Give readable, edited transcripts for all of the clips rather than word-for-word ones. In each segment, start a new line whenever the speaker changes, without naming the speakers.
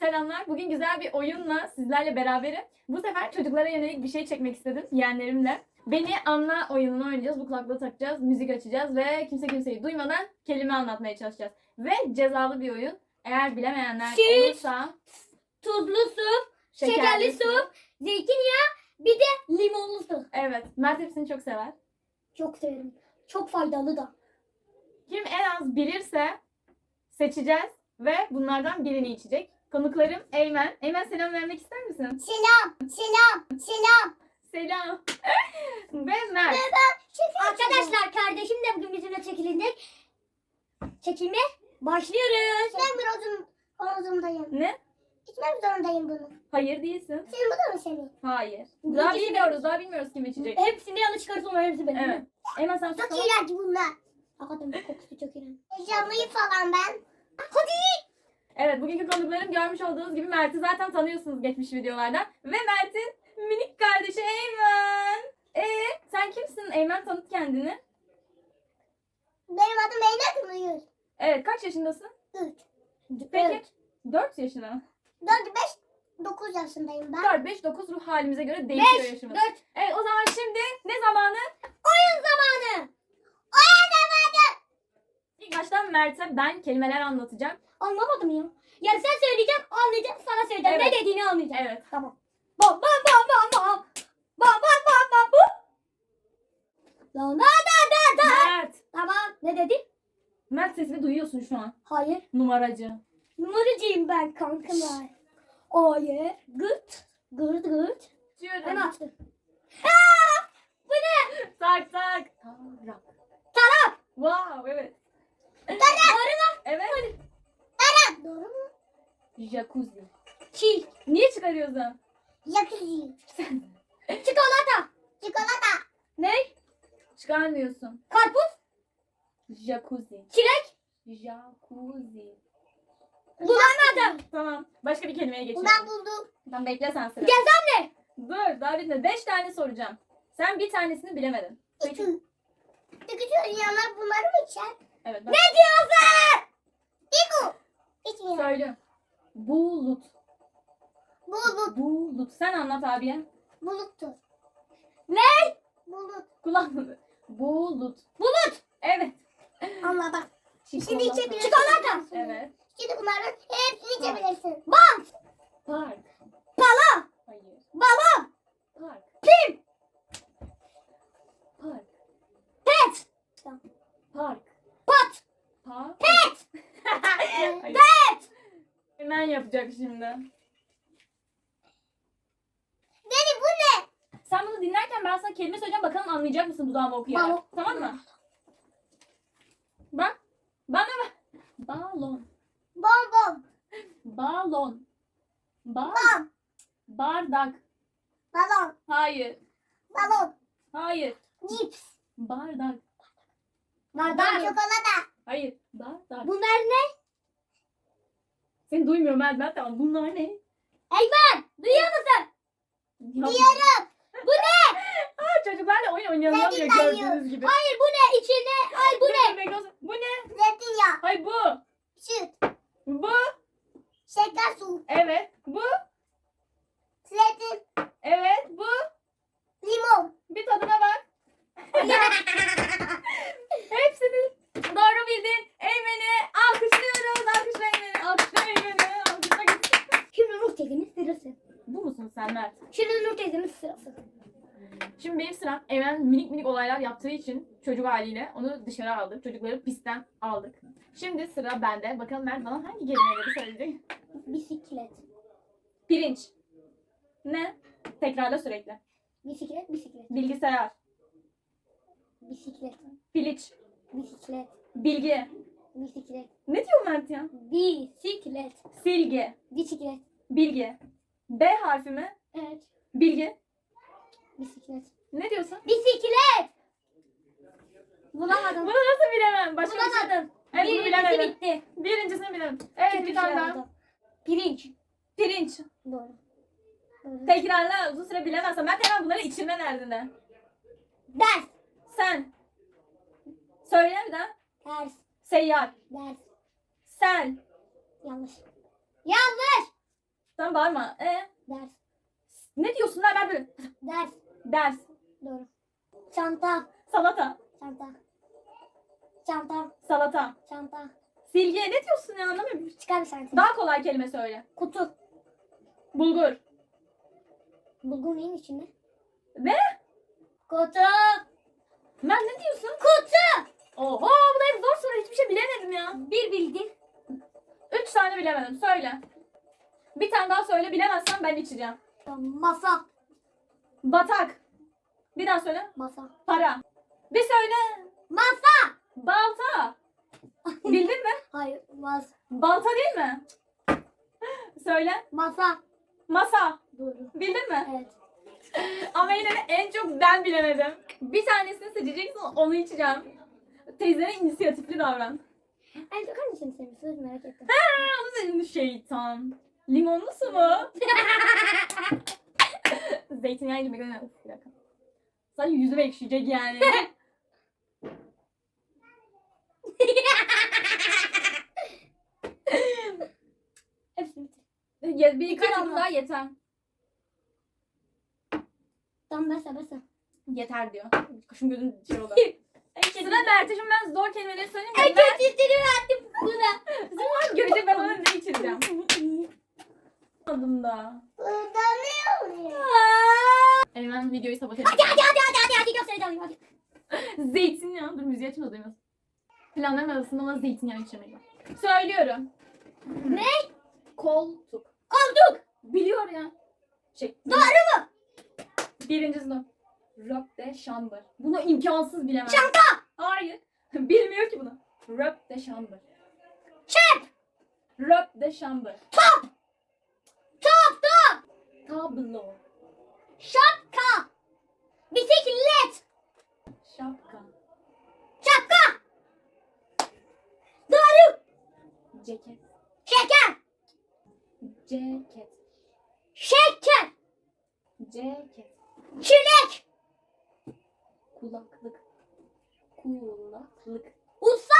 selamlar. Bugün güzel bir oyunla sizlerle beraberim. Bu sefer çocuklara yönelik bir şey çekmek istedim yeğenlerimle. Beni anla oyununu oynayacağız. Bu kulaklığı takacağız, müzik açacağız ve kimse kimseyi duymadan kelime anlatmaya çalışacağız. Ve cezalı bir oyun. Eğer bilemeyenler
Süt,
olursa
tuzlu su, şekerli su, zeytinyağı, bir de limonlu su.
Evet, Mert hepsini çok sever.
Çok severim. Çok faydalı da.
Kim en az bilirse seçeceğiz ve bunlardan birini içecek. Konuklarım Eymen. Eymen, selam vermek ister misin?
Selam.
Selam. Ve Mert.
Arkadaşlar kardeşim de bugün bizimle çekilecek. Çekime başlıyoruz.
Ben biraz omzumdayım.
Ne?
İçmek zorundayım bunu.
Hayır değilsin.
Senin bu da mı senin?
Hayır.
Bu
Daha
ikisi
bilmiyoruz. Daha bilmiyoruz kim içecek.
Hepsini yanlış çıkarsa onlar hepsi benim.
Evet. Eymen sen sus.
Çok
tamam.
iğrenç bunlar.
Hakikaten kokusu çok iğrenç.
Heyecanlıyım falan ben.
Evet, bugünkü konuklarım görmüş olduğunuz gibi Mert'i zaten tanıyorsunuz geçmiş videolardan. Ve Mert'in minik kardeşi Eymen. Sen kimsin Eymen? Tanıt kendini.
Benim adım Eymen Kılıç.
Evet, kaç yaşındasın?
3.
Peki. 4 yaşına.
4, 5, 9 yaşındayım ben.
4, 5, 9 ruh halimize göre değişiyor
5,
yaşımız.
4.
Evet, o zaman şimdi ne zamanı?
Oyun zamanı.
İlk baştan Mert'e ben kelimeler anlatacağım.
Anlamadım ya. Yani sen söyleyeceksin, anlayacağım, sana söyleyeceğim.
Evet.
Ne dediğini anlayacağım.
Evet.
Tamam. Bam bam bam bam bam. Bam bam bam bam bam. La da.
Mert.
Tamam. Ne dedi?
Mert, sesini duyuyorsun şu an.
Hayır.
Numaracı.
Numaracıyım ben kankalar. Hayır. Gırt. Gırt. Ben
Diyorum.
açtım.
Tak. Tarak.
Tarap.
Wow, evet.
Doğru mu?
Evet.
Doğru mu?
Jacuzzi.
Çiğ.
Niye çıkarıyorsun?
Jacuzzi.
Çikolata.
Çikolata.
Ne?
Çıkarmıyorsun.
Karpuz.
Jacuzzi.
Çilek.
Jacuzzi.
Bulamadım.
Tamam. Başka bir kelimeye geçelim.
Ben buldum.
Tamam, bekle sen sıra.
Cezam ne?
Dur, daha bitmedi. 5 tane soracağım. Sen bir tanesini bilemedin. Peki.
İki. Peki söyleyenler bunları mı içer?
Evet.
Ne diyorsun?
Diku. İçmiyor.
Söyle. Bulut.
Bulut.
Bulut. Sen anlat abiye.
Buluttur.
Ne?
Bulut.
Kulağını. Bulut.
Bulut.
Evet.
Anladım. Şimdi
Çikolata.
içebilirsin.
Çikolata.
Evet.
Şimdi bunların hepsini içebilirsin.
Bant.
Park.
Pala.
Hayır.
Balon.
Park.
Pim.
Park.
Pet.
Park.
Pat.
Park.
Pet.
Hayır.
Pet.
Hemen yapacak şimdi.
Dedi bu ne?
Sen bunu dinlerken ben sana kelime söyleyeceğim. Bakalım anlayacak mısın dudağıma okuyarak.
Balon.
Tamam mı? Bak. Bana bak. Balon.
Bonbon.
Balon.
Bom.
Bardak.
Balon.
Hayır.
Balon.
Hayır.
Cips.
Bardak.
Bardak.
Çikolata.
Hayır. Bardak.
Bunlar ne?
Seni duymuyorum ben. Tamam. Bunlar ne?
Eymen. Duyuyor musun?
Diyorum.
Bu ne?
Çocuklarla oyun oynayamıyor
Zeytin
gördüğünüz gibi.
Hayır bu ne? İçine. Ay bu ne?
Bekle, bekle. Bu ne?
Zeytinyağı.
Hayır bu.
Süt.
Bu.
Şeker su.
Evet. Bu.
Zeytin.
Evet. Bu.
Limon.
Bir tadına bak. Hepsini doğru bildin. Eymen'i alkışlıyoruz. Alkışla Eymen'i. Alkışla Eymen'i. Alkışla gitsin.
Şimdi Nur teyzemin sırası.
Bu musun sen Mert?
Şimdi Nur teyzemin sırası.
Şimdi benim sıram. Eymen minik minik olaylar yaptığı için çocuk haliyle onu dışarı aldık. Çocukları pistten aldık. Şimdi sıra bende. Bakalım Mert bana hangi kelimeleri söyleyecek?
Bisiklet.
Pirinç. Ne? Tekrarla sürekli.
Bisiklet.
Bilgisayar.
Bisiklet.
Piliç.
Bisiklet.
Bilgi.
Bisiklet.
Ne diyor Mert ya?
Bisiklet.
Silgi.
Bisiklet.
Bilgi. B harfi mi?
Evet.
Bilgi.
Bisiklet.
Ne diyorsun?
Bisiklet. Bulamadım.
Bunu nasıl bilemem? Başka bir şey.
Bulamadım.
Evet, bunu
Birincisi
bilemedim.
bitti.
Birincisini bilemem. Evet,
Çünkü
bir tane
şey
daha.
oldu. Pirinç.
Pirinç.
Doğru. Doğru.
Tekrarla, uzun süre bilemezsem. Ben hemen bunları içirme derdinde.
Ders.
Sen. Söyle bir daha.
Ters.
Seyyar.
Ders.
Sen.
Yanlış. Yanlış.
Sen bağırma.
Ders.
Ne diyorsun lan ben böyle?
Ders.
Ders.
Doğru. Çanta.
Salata.
Çanta. Çanta.
Salata.
Çanta.
Silgi. Ne diyorsun ya anlamıyorum.
Çıkar bir saniye.
Daha kolay kelime söyle.
Kutu.
Bulgur.
Bulgur neyin içinde?
Ne?
Kutu.
Ben ne diyorsun?
Kutu.
Oho bu da hep zor soru. Hiçbir şey bilemedim ya.
Bir bildin.
3 tane bilemedim. Söyle. Bir tane daha söyle. Bilemezsen ben içeceğim.
Masa.
Batak. Bir daha söyle.
Masa.
Para. Bir söyle.
Masa.
Balta. Bildin mi?
Hayır. Masa.
Balta değil mi? Söyle.
Masa.
Masa.
Doğru.
Bildin mi?
Evet.
Ama yine de en çok ben bilemedim. Bir tanesini seçeceksin, onu içeceğim. Teyzene inisiyatifli davran.
En çok hangisini seviyorsunuz merak ettim.
Onu senin şeytan. Limonlu su mu? Zeytinyağı yemek önemli. Uf, bir dakika. Sadece yüzüme ekşiyecek yani.
Hepsini bitir.
Bir iki
Yeter
yudum
ama.
daha yeter.
Tamam basa.
Yeter diyor. Kaşım gözüm şey oldu. Sıra Mert'e şimdi ben zor kelimeleri söyleyeyim.
En
Ben
kötüsünü verdim buna.
zaman görecek ben ona ne içireceğim. Adım da.
Burada ne oluyor?
Hemen videoyu sabote edeyim.
Hadi göstereceğim hadi.
Zeytinyağı. Dur müziği açın da duymasın. Planların arasında ona zeytinyağı içirmeyi. Söylüyorum.
Ne?
Koltuk.
Koltuk.
Biliyor ya.
Doğru mu?
Birincisi de. Rock de chamber. Bunu imkansız bilemez.
Çanta.
Hayır. Bilmiyor ki bunu. Rock de chamber.
Çöp.
Rock de chamber.
Top.
Tablo.
Şapka. Bisiklet.
Şapka.
Şapka. Doğru.
Ceket.
Şeker.
Ceket.
Şeker.
Ceket.
Çilek.
Kulaklık. Kulaklık.
Usta.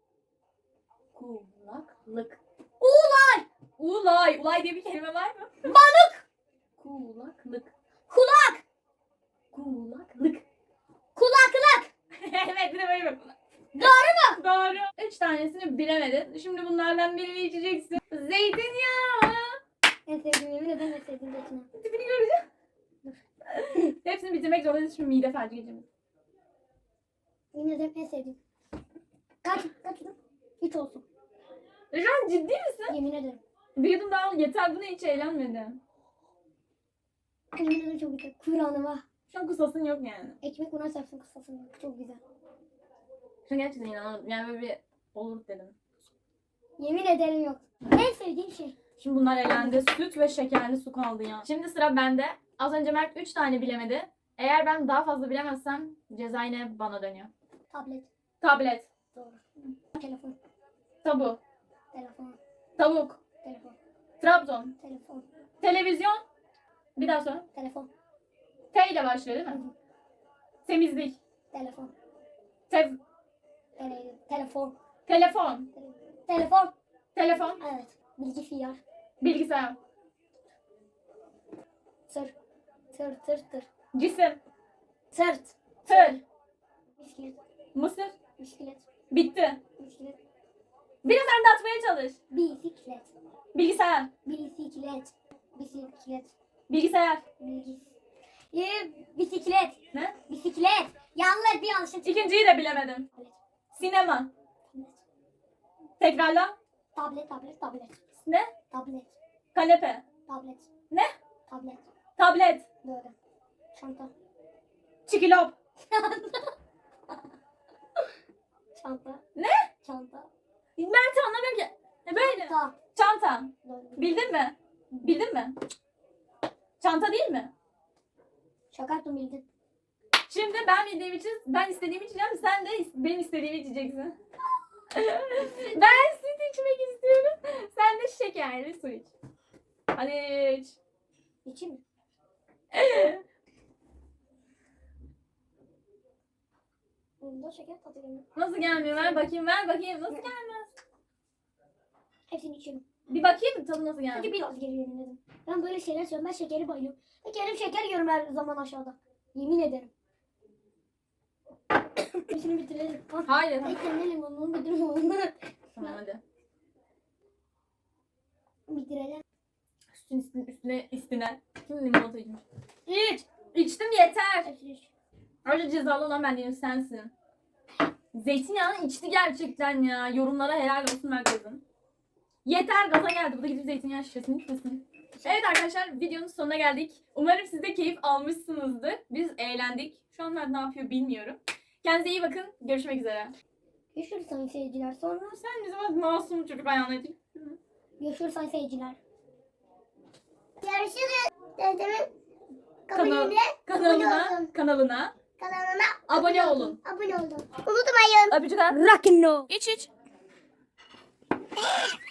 Kulaklık.
Ulay.
Ulay. Ulay diye bir kelime var mı?
Balık.
Kulaklık.
Kulak.
Kulaklık.
Kulaklık.
Evet bir de böyle bak.
Doğru mu?
Doğru. 3 tanesini bilemedin. Şimdi bunlardan birini içeceksin. Zeytinyağı.
En sevdiğim yemin ederim en sevdiğim zeytinyağı.
Tipini göreceğim. Hepsini bitirmek zorundayız. Şimdi mide felci geçirmek.
Yemin ederim en sevdiğim. Kaç yudum? Hiç olsun.
Şu an ciddi misin?
Yemin ederim.
Bir yudum daha al. Yeter buna hiç eğlenmedim.
Yemin ederim çok güzel. Kur'an'ıma.
Şu an kusasın yok yani.
Ekmek buna serpsin kısasın. Çok güzel.
Şu an gerçekten inanamadım. Yani böyle bir olur dedim.
Yemin ederim yok. En sevdiğim şey.
Şimdi bunlar elendi. Süt ve şekerli su kaldı ya. Şimdi sıra bende. Az önce Mert 3 tane bilemedi. Eğer ben daha fazla bilemezsem ceza yine bana dönüyor.
Tablet.
Tablet.
Doğru. Telefon.
Tabu.
Telefon.
Tavuk.
Telefon.
Trabzon.
Telefon.
Televizyon. Bir daha sonra.
Telefon.
T ile başlıyor değil mi? Temizlik.
Telefon.
Telefon.
Telefon.
Telefon.
Telefon.
Telefon.
Evet. Bilgisayar.
Bilgisayar.
Tır. Tır.
Cisim.
Tırt.
Tır.
Bisiklet.
Mısır.
Bisiklet.
Bitti.
Bisiklet.
Biraz anlatmaya çalış.
Bisiklet.
Bilgisayar.
Bisiklet. Bisiklet.
Bilgisayar.
Bisiklet.
Ne?
Bisiklet. Yanlış bir yanlışın çıktı.
İkinciyi de bilemedim. Sinema. Tekrarla.
Tablet.
Ne?
Tablet.
Kanepe.
Tablet.
Ne?
Tablet.
Tablet.
Doğru. Çanta.
Çikilop.
Çanta.
Ne?
Çanta.
Mert anlamıyorum ki. Böyle.
Çanta.
Çanta.
Doğru.
Bildin mi? Bildin mi? Çanta değil mi?
Şaka yaptım bildin.
Şimdi ben bildiğim için, ben istediğimi içeceğim. Sen de benim istediğimi içeceksin. Ben süt içmek istiyorum. Sen de şekerli su iç. Hadi iç.
İçeyim mi? Bunda şeker tadı gelmiyor.
Nasıl gelmiyor? Ver bakayım, ver bakayım. Nasıl gelmez?
Hepsini içiyorum.
Bir bakayım tadı nasıl geldi.
Hadi biraz geri yemin dedim. Ben böyle şeyler söylüyorum. Ben şekeri bayılıyorum. Ve kendim şeker yiyorum her zaman aşağıda. Yemin ederim. Hepsini bitirelim. Ha.
Hayır.
Ay kendi limonunu bitirelim.
Tamam hadi.
Bitirelim.
Üstüne. Kim limonata içmiş? İç. İçtim yeter.
Hepsini.
Ayrıca cezalı olan ben değilim sensin. Zeytinyağını içti gerçekten ya. Yorumlara helal olsun herkesin. Yeter gaza geldi. Bu da gidip zeytinyağı şişesini içmesin. Evet arkadaşlar videonun sonuna geldik. Umarım siz de keyif almışsınızdır. Biz eğlendik. Şu an ben ne yapıyor bilmiyorum. Kendinize iyi bakın. Görüşmek üzere.
Görüşürüz sayın seyirciler. Sonra
Sen bizim bak masum çocuk ayağına edin.
görüşürüz sayın seyirciler.
Görüşürüz. Dedemin
Kanalına, kanalına
kanalına
abone olun.
abone olun. Unutmayın.
Öpücükler.
Rock'n'roll.
İç iç.